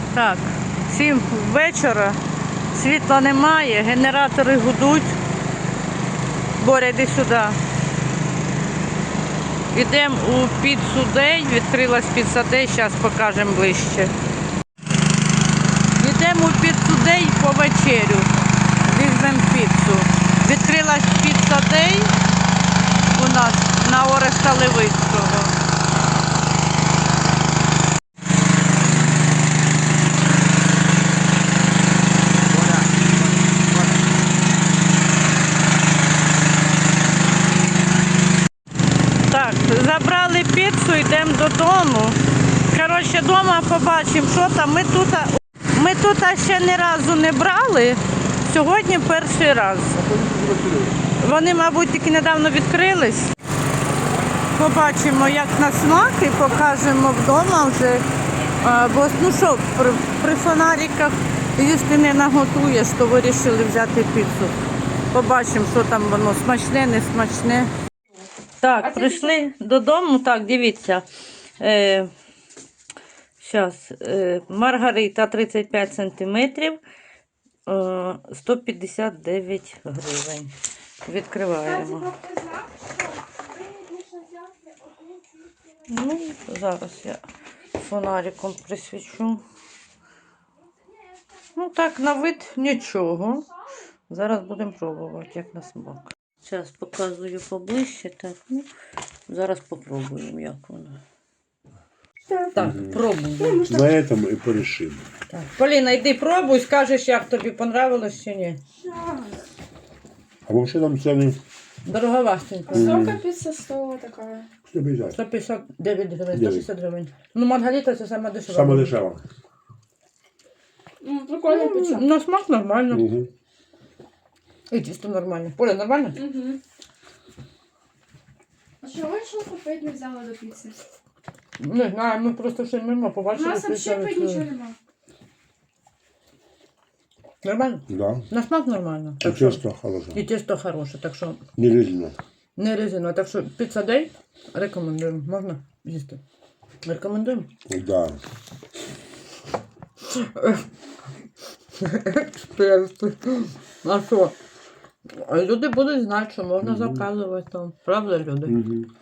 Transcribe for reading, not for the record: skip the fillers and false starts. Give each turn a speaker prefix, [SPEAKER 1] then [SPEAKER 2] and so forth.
[SPEAKER 1] Так, 7 вечора, світла немає, генератори гудуть. Боря, йди сюди. Йдемо у піцу Дей, відкрилась піца Дей, зараз покажемо ближче. Йдемо у піцу Дей по вечерю, візьмемо піцу. Відкрилась піца Дей у нас на Ореста Левицького. Так, забрали піцу, йдемо додому. Коротше, вдома побачимо, що там. Ми тут ще ні разу не брали, сьогодні перший раз. Вони, мабуть, тільки недавно відкрились. Побачимо, як на смак, і покажемо вдома вже. Бо, ну що, при фонариках їсти не наготуєш, то вирішили взяти піцу. Побачимо, що там воно, смачне, не смачне. Так, прийшли додому, так, дивіться. Зараз, маргарита 35 сантиметрів, 159 гривень. Відкриваємо. Ну, зараз я фонариком присвічу. Ну так, на вид нічого. Зараз будемо пробувати, як на смак. Зараз показую поближче, так, ну, зараз попробуємо, як воно. Так, пробуємо.
[SPEAKER 2] На этом и порешим.
[SPEAKER 1] Так. Поліна, йди пробуй, скажеш, як тобі понравилось чи ні.
[SPEAKER 2] А вообще там цены
[SPEAKER 1] Дороговастенько.
[SPEAKER 3] Сколько пицца стоила такая?
[SPEAKER 2] 150.
[SPEAKER 1] 159 гривень, 160 гривень. Ну, маргарита це саме дешева.
[SPEAKER 2] Самое дешево.
[SPEAKER 3] Ну, прикольная пицца.
[SPEAKER 1] На смак нормально.
[SPEAKER 2] Угу.
[SPEAKER 1] І тісто нормально. Поля, нормально?
[SPEAKER 3] Угу. А чего еще купить не взяла до пиццы?
[SPEAKER 1] Не знаю, ми просто ще мимо
[SPEAKER 3] У
[SPEAKER 1] побачили.
[SPEAKER 3] нас вообще
[SPEAKER 1] піцу.
[SPEAKER 3] ничего нема.
[SPEAKER 1] Нормально?
[SPEAKER 2] Да.
[SPEAKER 1] На смак нормально.
[SPEAKER 2] И
[SPEAKER 1] Так що-
[SPEAKER 2] тесто хорошее.
[SPEAKER 1] І тісто хороше, так що
[SPEAKER 2] Не резина.
[SPEAKER 1] не резино. Так що піца Дей рекомендуємо. Можна їсти? Рекомендуємо?
[SPEAKER 2] Да.
[SPEAKER 1] Експерти. А що? Люди будуть знати, що можна заказувати там. Правда, люди?
[SPEAKER 2] Угу.